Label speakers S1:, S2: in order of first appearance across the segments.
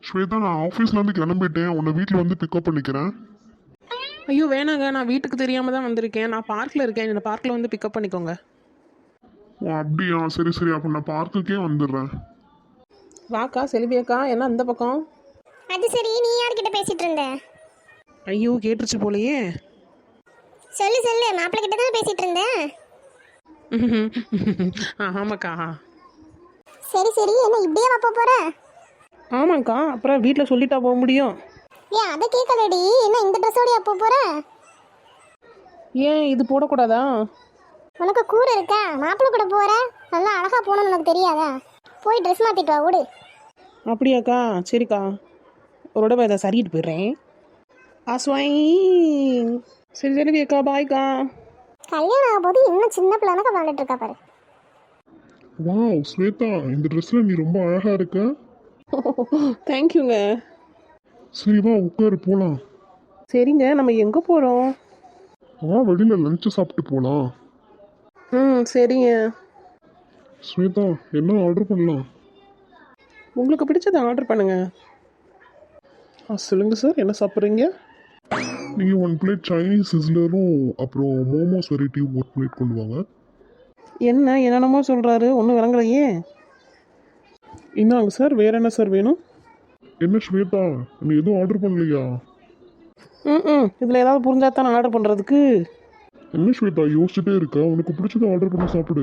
S1: ஸ்வேதா, நான் ஆஃபீஸ்லேருந்து கிளம்பிட்டேன். உன்னை வீட்டில் வந்து பிக்கப் பண்ணிக்கிறேன்.
S2: ஐயோ வேணாங்க, நான் வீட்டுக்கு தெரியாமல் தான் வந்திருக்கேன். நான் பார்க்கில் இருக்கேன், என்னை பார்க்கில் வந்து பிக்கப் பண்ணிக்கோங்க.
S1: ஓ அப்படியா, சரி சரி, அப்போ நான் பார்க்குக்கே வந்துடுறேன்.
S2: வாக்கா செல்வியக்கா, என்ன அந்த பக்கம்?
S3: அது சரி, நீ யார்கிட்ட பேசிட்டு இருந்த?
S2: ஐயோ கேட்டுருச்சு போலையே.
S3: சொல்லு சொல்லு, மாப்பிள்ளை கிட்ட தான் பேசிட்டு இருந்தேன்.
S2: ஆமாக்கா.
S3: சரி சரி, என்ன இப்படியே வப்ப போற?
S2: ஆமாங்க்கா, அப்புறம் வீட்டில் சொல்லிட்டா போக முடியும்.
S3: ஏன் அதை கேட்கலடி, என்ன இந்த ட்ரெஸ்ஸோடய அப்போ போற?
S2: ஏன் இது போடக்கூடாதா?
S3: உனக்கு கூறு இருக்கா? மாப்பிள்ளை கூட போற, நல்லா அழகா போகணும்னு உனக்கு தெரியாதா? போய் ட்ரெஸ் மாத்திட்டு வா, ஓடு.
S2: அப்படியாக்கா, சரிக்கா. ஒரு தடவை இதை சரிட்டு போயிடுறேன். ஆஸ்வாய். சரி செல்வியக்கா, பாய்க்கா.
S3: கல்யாணம் ஆக போது இன்னும் சின்ன பிள்ளைனக்க விளாண்டுட்டு இருக்கா பாரு.
S1: வாவ் ஸ்வேதா, இந்த ட்ரெஸ்ஸில் நீ ரொம்ப அழகாக இருக்க.
S2: தேங்க்யூங்க.
S1: சரி வா, உட்காரு போகலாம்.
S2: சரிங்க, நம்ம எங்கே போகிறோம்?
S1: வெளியில் லஞ்சு சாப்பிட்டு போகலாம்.
S2: சரிங்க.
S1: ஸ்வேதா, என்ன ஆர்டர் பண்ணலாம்?
S2: உங்களுக்கு பிடிச்சதை ஆர்டர் பண்ணுங்க. சொல்லுங்கள் சார், என்ன சாப்பிட்றீங்க?
S1: நீங்கள் 1 பிளேட் சைனீஸ் சிஸ்லரும் அப்புறம் மோமோஸ் வெரைட்டி 1 பிளேட் கொண்டு வாங்க.
S2: என்ன என்னென்னமோ சொல்கிறாரு, ஒன்றும் விளங்கலையே. இந்தாங்க சார், வேறு என்ன சார் வேணும்?
S1: என்ன ஸ்வேதா, நீ எதுவும் ஆர்டர் பண்ணலையா?
S2: இதில் ஏதாவது புரிஞ்சா தான் நான் ஆர்டர் பண்ணுறதுக்கு.
S1: என்ன ஸ்வேதா யோசிச்சுட்டே இருக்க? உனக்கு பிடிச்சதை ஆர்டர் பண்ணி சாப்பிடு.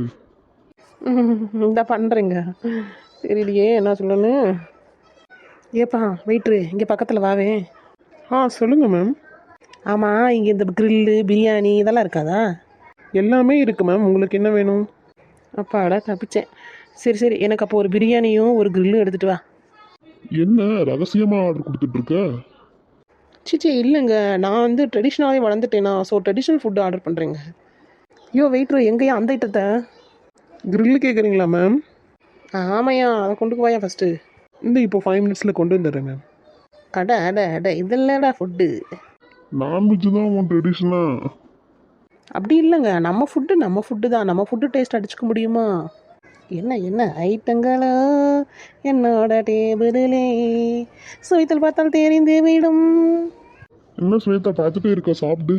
S2: இந்த பண்ணுறேங்க. தெரியலையே என்ன சொல்லணும். ஏப்பா வெயிட்ரு, இங்கே பக்கத்தில் வாவே.
S1: சொல்லுங்கள் மேம்.
S2: ஆமாம், இங்கே இந்த கிரில்லு பிரியாணி இதெல்லாம் இருக்காதா?
S1: எல்லாமே இருக்குது மேம், உங்களுக்கு என்ன வேணும்?
S2: அப்பாடா தப்பிச்சேன். சரி சரி, எனக்கு அப்போ ஒரு பிரியாணியும் ஒரு கிரில்லும் எடுத்துகிட்டு வா.
S1: என்ன ரகசியமாக ஆர்டர் கொடுத்துட்ருக்க?
S2: சிச்சி இல்லைங்க, நான் வந்து ட்ரெடிஷ்னலாகவே வளர்ந்துட்டேனா, ஸோ ட்ரெடிஷ்னல் ஃபுட்டு ஆர்டர் பண்ணுறேங்க. ஐயோ வெயிட்ரு, எங்கேயா அந்த ஐட்டத்தை?
S1: கிரில்லு கேட்குறீங்களா மேம்?
S2: ஆமையா, அதை கொண்டு போயா ஃபஸ்ட்டு.
S1: இந்த இப்போ 5 மினிட்ஸில் கொண்டு வந்துடுறேன் மேம்.
S2: அட அட அட, இதெல்லாம்டா ஃபுட்டு.
S1: நான்வெஜ் தான் உன் ட்ரெடிஷ்னலாக.
S2: அப்படி இல்லைங்க, நம்ம ஃபுட்டு தான். நம்ம ஃபுட்டு டேஸ்ட் அடிச்சுக்க முடியுமா? என்ன என்ன ஐட்டங்களோ என்னோட டேபிளிலே சுவைத்தல் பார்த்தால் தெரிந்து விடும்.
S1: என்ன ஸ்வேதா பார்த்துட்டே இருக்க, சாப்பிடு.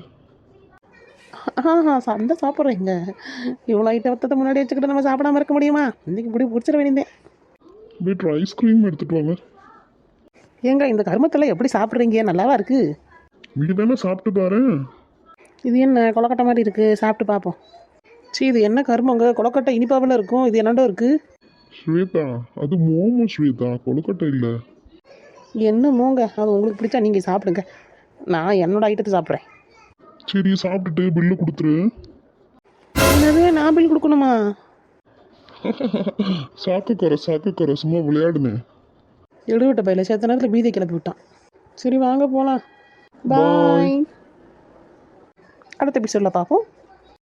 S2: அந்த சாப்பிட்றேங்க. இவ்வளோ ஐட்டத்தை முன்னாடி வச்சுக்கிட்டு நம்ம சாப்பிடாம இருக்க முடியுமா? இன்றைக்கி இப்படி பிடிச்சிட வேண்டியதேன்.
S1: வீட்டில் ஐஸ்கிரீம் எடுத்துகிட்டு வாங்க.
S2: ஏங்க இந்த கருமத்தில் எப்படி சாப்பிட்றீங்க? நல்லாவா இருக்குது?
S1: நீ தானே சாப்பிட்டு பாரு.
S2: இது என்ன கொலக்கட்டை மாதிரி இருக்குது, சாப்பிட்டு பார்ப்போம். இது என்ன கருமங்க, கொலக்கட்டை இனிப்பாவில் இருக்கும், இது என்னண்டோ இருக்குது.
S1: ஸ்வேதா, அது மோமோ ஸ்வேதா, கொழுக்கட்டை இல்லை.
S2: என்னமோங்க, அது உங்களுக்கு பிடிச்சா நீங்கள் சாப்பிடுங்க, நான் என்னோட ஐட்டத்தை சாப்பிட்றேன்.
S1: சரி சாப்பிட்டுட்டு பில்லு கொடுத்துரு.
S2: என்னது, நான் பில் கொடுக்கணுமா?
S1: சாக்குக்கரை சும்மா விளையாடுனேன்.
S2: எடுவிட்ட பையில சேர்த்த நேரத்தில் பீதியை கிளப்பி விட்டான். சரி வாங்க போகலாம். பாய். அடுத்த எபிசோடில் பார்ப்போம்.